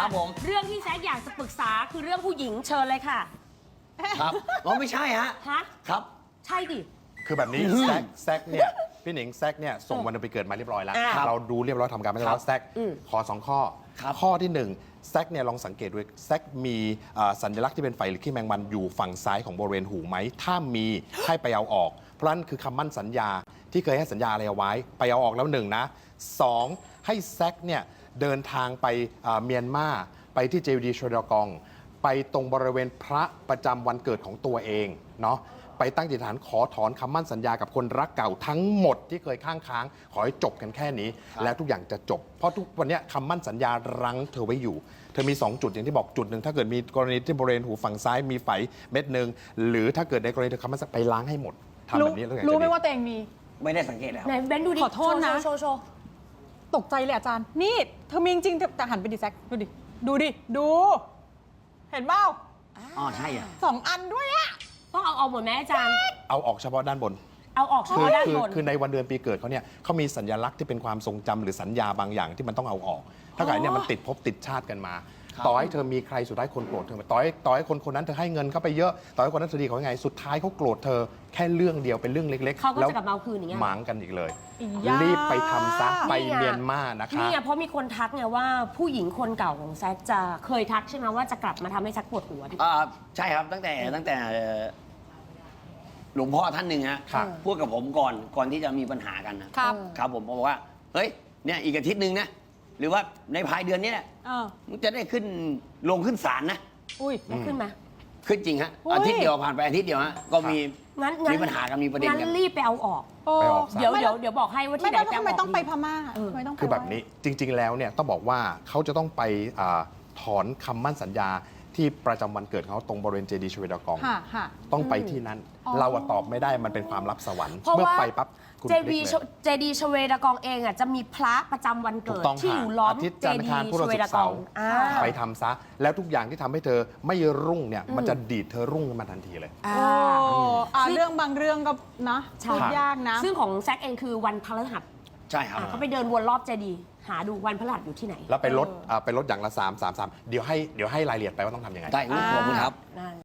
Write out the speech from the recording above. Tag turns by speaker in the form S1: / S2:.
S1: ครับผม
S2: เรื่องที่แซคอยากจะปรึกษาคือเรื่องผู้หญิงเชิญเลยค่ะ
S1: ครับอ๋อไม่ใช่ฮะ
S2: ฮะ
S1: ครับ
S2: ใช่ดิ
S3: คือแบบนี้แซกเนี่ยพี่หนิงแซกเนี่ยส่งวันเดือนปีเกิดมาเรียบร้อยแล้ว
S2: ครับ
S3: เราดูเรียบร้อยทำการไม่ใช่แล้วแซกขอ2 ข้อ
S1: ครับ
S3: ข้อที่1แซกเนี่ยลองสังเกตดูแซกมีสัญลักษณ์ที่เป็นไฟหรือขี้แมงมันอยู่ฝั่งซ้ายของบริเวณหูไหมถ้ามีให้ไปเอาออก เพราะนั่นคือคำมั่นสัญญาที่เคยให้สัญญาอะไรเอาไว้ไปเอาออกแล้ว1นะ2ให้แซกเนี่ยเดินทางไปเมียนมาไปที่เจดีย์ชวดากองไปตรงบริเวณพระประจำวันเกิดของตัวเองเนาะไปตั้งจิตฐานขอถอนคำมั่นสัญญากับคนรักเก่าทั้งหมดที่เคยค้างขอให้จบกันแค่นี้ แล้วทุกอย่างจะจบ เพราะทุกวันนี้คำมั่นสัญญารั้งเธอไว้อยู่ เธอมี 2 จุดอย่างที่บอกจุดหนึ่งถ้าเกิดมีกรณีที่บริเวณหูฝั่งซ้ายมีไฝเม็ดหนึ่งหรือถ้าเกิดในกรณีเธอคำมั่นสัญญาไปล้างให้หมดทำแบบนี้แล้วอย่าง
S4: รู้ไหม
S3: จะดี
S4: ว่าตัวเองมี
S1: ไม่ได้สังเกตแล้ว
S2: ไหนเบนดูดิ
S4: ขอโทษนะ
S2: โชว์
S4: ตกใจเลยอาจารย์ นี่เธอมีจริงๆแต่หันไปดิแซกดูดิ ดูดิ ดู เห็นเปล่า
S1: อ๋อใช่อ่ะ
S4: 2 อันด้วยอะ
S2: ต้องเอาหมดไหมอาจารย์
S3: เอาออกเฉพาะด้านบน
S2: เอาออกเฉพาะด้านบน
S3: คือในวันเดือนปีเกิดเขาเนี่ยเขามีสัญลักษณ์ที่เป็นความทรงจำหรือสัญญาบางอย่างที่มันต้องเอาออก ถ้าเกิดเนี่ยมันติดภพติดชาติกันมา
S1: ครับ
S3: ต่อให้เธอมีใครสุดท้ายคนโกรธเธอต่อให้คนนั้นเธอให้เงินเขาไปเยอะ ต่อให้คนนั้นเธอดีเขายังไง สุดท้ายเขาโกรธเธอแค่เรื่องเดียวเป็นเรื่องเล็กๆ
S2: เขาก็
S3: แล้ว
S2: จะกลับมาเอาคืนอย่างเงี้ย
S3: หมางกันอีกเลย
S4: อีย่า
S3: รีบไปทำซะไป
S2: นี่ไง
S3: เมียนมานะคะ
S2: นี่ไงเพราะมีคนทักไงว่าผู้หญิงคนเก่าของแซคจะเคยทักใช่ไหมว่าจะกลับมาทำให้แซคปวดหัวดิ
S1: ใช่ครับตั้งแต่หลวงพ่อท่านหนึ่งฮะ
S3: ครับ
S1: พูดกับผมก่อนที่จะมีปัญหากันนะครับ ครับผมบอกว่าเฮ้ยเนี่ยอีกอาทิตย์หนึ่งนะหรือว่าในภายเดือนนี้แหละ
S4: เออ
S1: มึงจะได้ลงขึ้นศาลนะ
S4: อุ้ย
S2: ได้ขึ้นไหม
S1: ขึ้นจริงฮะ
S4: อุ๊ย
S1: อาทิตย์เดียวผ่านไปอาทิตย์เดียวฮะก็มี
S2: งั้น
S1: มีปัญหากันมีประเด็นกัน
S2: งั้นรีบไปเอาออก
S4: โอ้
S3: ไปออกซะ
S2: เดี๋ยวบอกให้ว่า
S4: ไม่
S2: ที่ไหน
S4: ได้
S2: ไป
S4: ทำ
S2: เอา
S4: ไม
S2: ออก
S4: ต้องไป
S2: ดี
S4: พม่า
S2: เออ
S4: ทำไมต้องไป
S3: คือแบบนี้จริง ๆ แล้วเนี่ยต้องบอกว่าเขาจะต้องไปถอนคำมั่นสัญญาที่ประจำวันเกิดเขาตรงบริเวณเจดีย์ชเวดากอง
S4: ค่ะค่ะ
S3: ต้องไปที่นั้น
S4: อ๋อ
S3: เราอะตอบไม่ได้มันเป็นความลับสวรรค์
S2: เพราะ
S3: เมื่อ
S2: ว่า
S3: ไปปั๊บคุณ
S2: เจ
S3: พลิ
S2: ดี
S3: ก
S2: ย์
S3: เลย
S2: เจดีย์ชเวดากองเองอ่ะจะมีพระประจำวัน
S3: ถู
S2: เกิ
S3: ก
S2: ด
S3: ต้อง
S2: ที่อยู่ล้อม
S3: อาทิตย์
S2: เจ
S3: จันทร์อั
S2: ดี
S3: งคาร
S2: ย์
S3: พุธ
S2: ช
S3: ศุกร์
S2: เวดากอง
S3: เสาร์ ไปทำซะ แล้วทุกอย่างที่ทำให้เธอไม่รุ่งเนี่ยมันจะดีดเธอรุ่งขึ้นมาทันทีเลย
S2: อ่า
S4: โอ้อ่ะ
S2: ซึ่ง
S4: เรื่องบางเรื่องก็นะ
S2: ใช่
S4: พูดยากนะ
S2: ซึ่งของแซคเองคือวันพฤหัส
S1: ใช่ครับ
S2: เขาไปเดินวนรอบเจดีย์หาดูวันพฤหัสอยู่ที่ไหน
S3: แล้วไปลดอย่างละ3 3 3เดี๋ยวให้รายละเอียดไปว่าต้องทำยังไง
S1: ได้ขอบคุณครับ
S2: นั่น